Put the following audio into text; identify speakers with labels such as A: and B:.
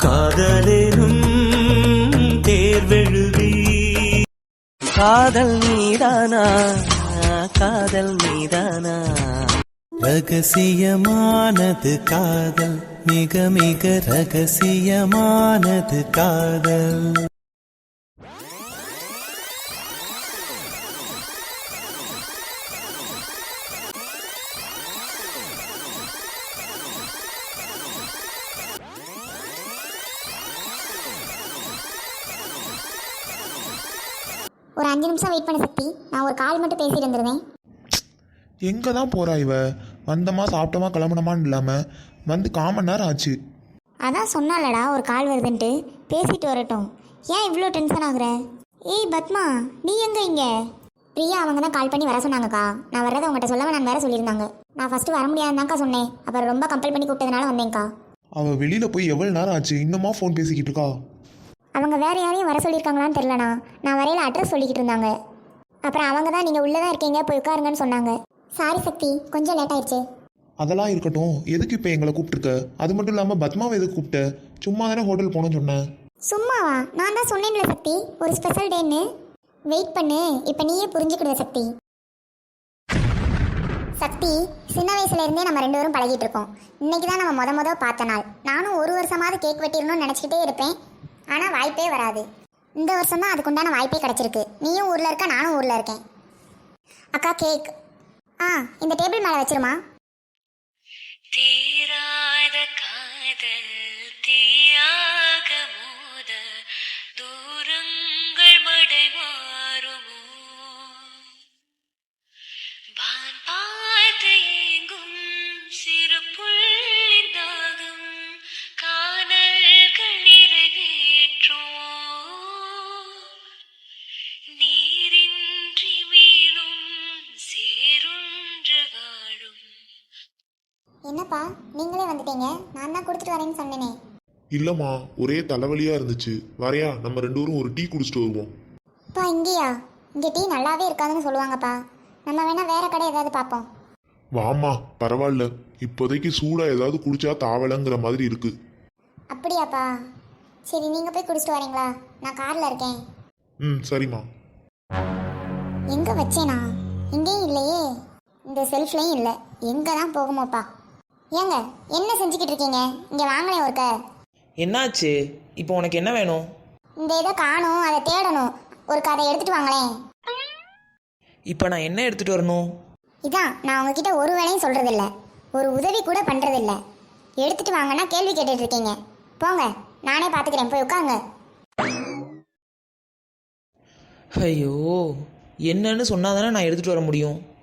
A: காதலேனும் தேர்வெழுதி காதல் மீதானா காதல் மீதானா ரகசியமானது காதல் மிக மிக ரகசியமானது காதல்.
B: ஒரு 5 நிமிஷம் வெயிட் பண்ண சக்தி, நான் ஒரு கால் மட்டும் பேசிட்டு இருந்துருவேன்.
C: எங்கே தான் போகிறா இவ? வந்தமா சாப்பிட்டோமா கிளம்பணுமான்னு இல்லாமல் வந்து 1/4 மணி நேரம் ஆச்சு.
B: அதான் சொன்னாலடா ஒரு கால் வருதுன்ட்டு, பேசிட்டு வரட்டும். ஏன் இவ்வளோ டென்ஷன் ஆகுற? ஏய் பத்மா, நீ எங்கே இங்கே? பிரியா அவங்க தான் கால் பண்ணி வர சொன்னாங்கக்கா. நான் வர்றதை உங்கள்கிட்ட சொல்லவே நான் வேற சொல்லியிருந்தாங்க. நான் ஃபஸ்ட்டு வர முடியாதுதான்க்கா சொன்னேன். அப்புறம் ரொம்ப கம்பல் பண்ணி கூப்பிட்டதுனால வந்தேங்க்கா.
C: அவள் வெளியில் போய் எவ்வளோ நேரம் ஆச்சு, இன்னுமா ஃபோன் பேசிக்கிட்டு இருக்கா?
B: அவங்க வேறு யாரையும் வர சொல்லியிருக்காங்களான்னு தெரிலண்ணா. நான் வரையில் அட்ரஸ் சொல்லிக்கிட்டு இருந்தாங்க. அப்புறம் அவங்க தான் நீங்கள் உள்ளே தான் இருக்கீங்க, போய் உட்காருங்கன்னு சொன்னாங்க. சாரி சக்தி, கொஞ்சம் லேட் ஆயிடுச்சு.
C: அதெல்லாம் இருக்கட்டும், எதுக்கு இப்போ எங்களை கூப்பிட்டுருக்க? அது மட்டும் இல்லாமல் பத்மாவை எதுக்கு கூப்பிட்ட? சும்மா தானே ஹோட்டல் போகணும்னு சொன்னேன்.
B: சும்மாவா? நான் தான் சொன்னேன்ல சக்தி, ஒரு ஸ்பெஷல் டேன்னு. வெயிட் பண்ணு, இப்போ நீயே புரிஞ்சுக்கிடுவ சக்தி. சக்தி, சின்ன வயசுல இருந்தே நம்ம 2 பேரும் பழகிட்டு இருக்கோம். இன்னைக்கு தான் நம்ம முத பார்த்த நாள். நானும் ஒரு வருஷமாவது கேக் வெட்டிடணும்னு நினச்சிக்கிட்டே இருப்பேன், ஆனால் வாய்ப்பே வராது. இந்த வருஷம் தான் அதுக்குண்டான வாய்ப்பே கிடச்சிருக்கு. நீயும் ஊரில் இருக்க, நானும் ஊரில் இருக்கேன். அக்கா கேக் இந்த டேபிள் மேலே வச்சிருமா.
D: தீராத காதல் தீயாக மோத தூரங்கள் மடை மாறுமோ வான் பார்த்து ஏங்கும் சிறு புள்ளின் தாகம் காதல்கள் நிறைவேற்றோ நீரின்றி மீனும் சேருன்று வாழும்.
B: என்னப்பா நீங்களே வந்துட்டீங்க? நான் தான் கொடுத்துட்டு வரேன்னு சொன்னேனே.
C: இல்லைம்மா, ஒரே தலைவலியாக இருந்துச்சு. வரையா, நம்ம 2 பேரும் ஒரு டீ குடிச்சிட்டு வருவோம்.
B: அப்பா இங்கேயா? இங்கே டீ நல்லாவே இருக்காதுன்னு சொல்லுவாங்கப்பா. நம்ம வேணா வேற கடை ஏதாவது பார்ப்போம்.
C: வாம்மா, பரவாயில்ல. இப்போதைக்கு சூடாக ஏதாவது குடிச்சா தாவலைங்கிற மாதிரி இருக்கு.
B: அப்படியாப்பா? சரி, நீங்கள் போய் குடிச்சிட்டு வரீங்களா? நான் காரில் இருக்கேன்.
C: சரிம்மா.
B: எங்கே வச்சேனா? இங்கேயும் இல்லையே, இந்த செல்ஃப்லையும் இல்லை. எங்கே தான் போகுமோப்பா. ஏங்க என்ன செஞ்சுக்கிட்டு இருக்கீங்க? இங்கே வாங்களேன் ஒருக்க.
E: என்னாச்சு? இப்போ உனக்கு என்ன வேணும்?
B: இந்த இதை காணும், அதை தேடணும். ஒருக்க அதை எடுத்துகிட்டு வாங்களேன்.
E: இப்போ நான் என்ன எடுத்துகிட்டு வரணும்?
B: இதான் நான் உங்ககிட்ட ஒரு வேலையும் சொல்கிறதில்ல, ஒரு உதவி கூட பண்ணுறதில்ல. எடுத்துகிட்டு வாங்கன்னா கேள்வி கேட்டுட்டு இருக்கீங்க. போங்க, நானே பார்த்துக்கிறேன், போய் உட்காங்க.
E: ஐயோ, என்னன்னு சொன்னாதானே நான் எடுத்துகிட்டு வர முடியும்.